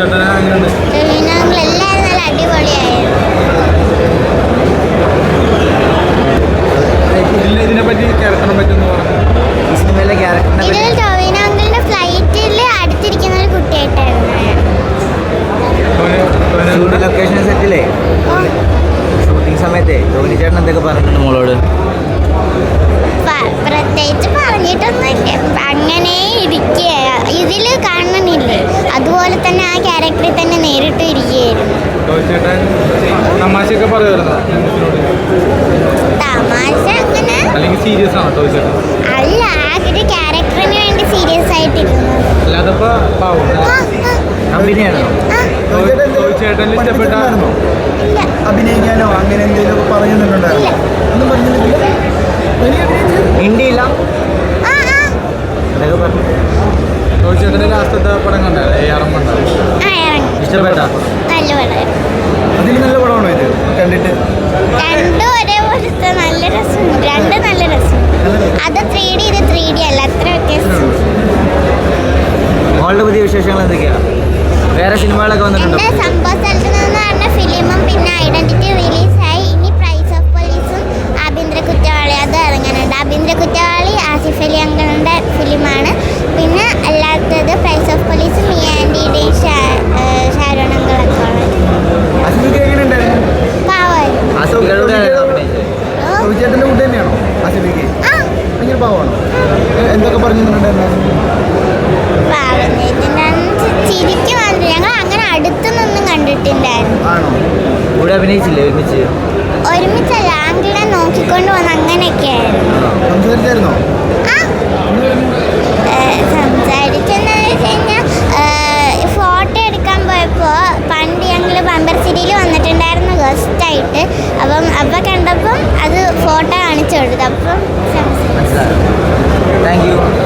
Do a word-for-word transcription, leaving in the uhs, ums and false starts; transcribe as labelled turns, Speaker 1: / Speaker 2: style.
Speaker 1: എല്ലാവരും നല്ല അടിപൊളിയായിരുന്നു. ഇതിൽ ടോവിനോ അങ്കിളിന്റെ ഫ്ലൈറ്റിൽ അടുത്തിരിക്കുന്ന ഒരു കുട്ടിയായിട്ടായിരുന്നു.
Speaker 2: ലൊക്കേഷൻ സെറ്റില്ലേ ഷൂട്ടിംഗ് സമയത്തെ ടോവിനോ ചേട്ടൻ എന്തൊക്കെ പറഞ്ഞിട്ടുണ്ട് മോളോട്?
Speaker 1: പ്രത്യേകിച്ച് പറഞ്ഞിട്ടൊന്നുമില്ല, അങ്ങനെ ഇരിക്കുക. ഇതിൽ കാണണില്ലേ അതുപോലെ തന്നെ ആ ക്യാരക്ടറിൽ തന്നെ നേരിട്ട് ഇരിക്കുകയായിരുന്നു.
Speaker 3: തമാശ
Speaker 1: അങ്ങനെ അല്ല, ആ ഒരു ക്യാരക്ടറിന് വേണ്ടി സീരിയസ് ആയിട്ടിരുന്നു.
Speaker 4: അഭിനയിക്കാനോ അങ്ങനെ എന്തെങ്കിലും പറയുന്നുണ്ടായിരുന്നു?
Speaker 2: ഹിന്ദിയില്ല ഇഷ്ടപ്പെട്ട
Speaker 4: അതിൽ നല്ല പടമാണോ ഇത് കണ്ടിട്ട്?
Speaker 1: രണ്ടും ഒരേപോലത്തെ നല്ല രസമുണ്ട്. രണ്ട് നല്ല രസം. അത് ത്രീ ഡി, ഇത് ത്രീ ഡി അല്ല, അത്ര വ്യത്യാസം.
Speaker 2: മോളുടെ പുതിയ വിശേഷങ്ങൾ എന്തൊക്കെയാണ്? വേറെ സിനിമകളൊക്കെ വന്നിട്ടുണ്ടോ?
Speaker 1: എൻ്റെ സംഭവ സ്ഥലത്ത് നിന്ന് പറഞ്ഞ ഫിലിമും പിന്നെ ഐഡന്റിറ്റി റിലീസായി. ഇനി പ്രൈസ് ഓഫ് പോലീസും ആഭ്യന്തര കുറ്റവാളി അത് ഇറങ്ങാനുണ്ട്. ആഭ്യന്തര കുറ്റവാളി ആസിഫ് അലി അങ്കിളിൻ്റെ ഫിലിമാണ്. പിന്നെ അല്ലാത്തത് പ്രൈസ് ഓഫ് പോലീസും ഈ ആൻറ്റിയുടെയും ഷാരോൺ അങ്കിളൊക്കെ
Speaker 4: എന്തൊക്കെ പറഞ്ഞിട്ടുണ്ടായിരുന്നു?
Speaker 1: ചിരിക്കും. ഞങ്ങൾ അങ്ങനെ അടുത്തുനിന്നൊന്നും കണ്ടിട്ടുണ്ടായിരുന്നു.
Speaker 2: കൂടെ അഭിനയിച്ചില്ലേ ഒരുമിച്ച്?
Speaker 1: ഒരുമിച്ചല്ല, ആങ്കിളെ നോക്കിക്കൊണ്ട് വന്ന് അങ്ങനെയൊക്കെ ആയിരുന്നു. സംസാരിച്ചെന്ന് വെച്ച് കഴിഞ്ഞാൽ ഫോട്ടോ എടുക്കാൻ പോയപ്പോൾ പണ്ട് ഞങ്ങൾ ബമ്പർ സിറ്റിയിൽ വന്നിട്ടുണ്ടായിരുന്നു ഗസ്റ്റായിട്ട്. അപ്പം അപ്പം കണ്ടപ്പം അത് ഫോട്ടോ കാണിച്ചു കൊടുത്തു. അപ്പം
Speaker 2: താങ്ക് യു.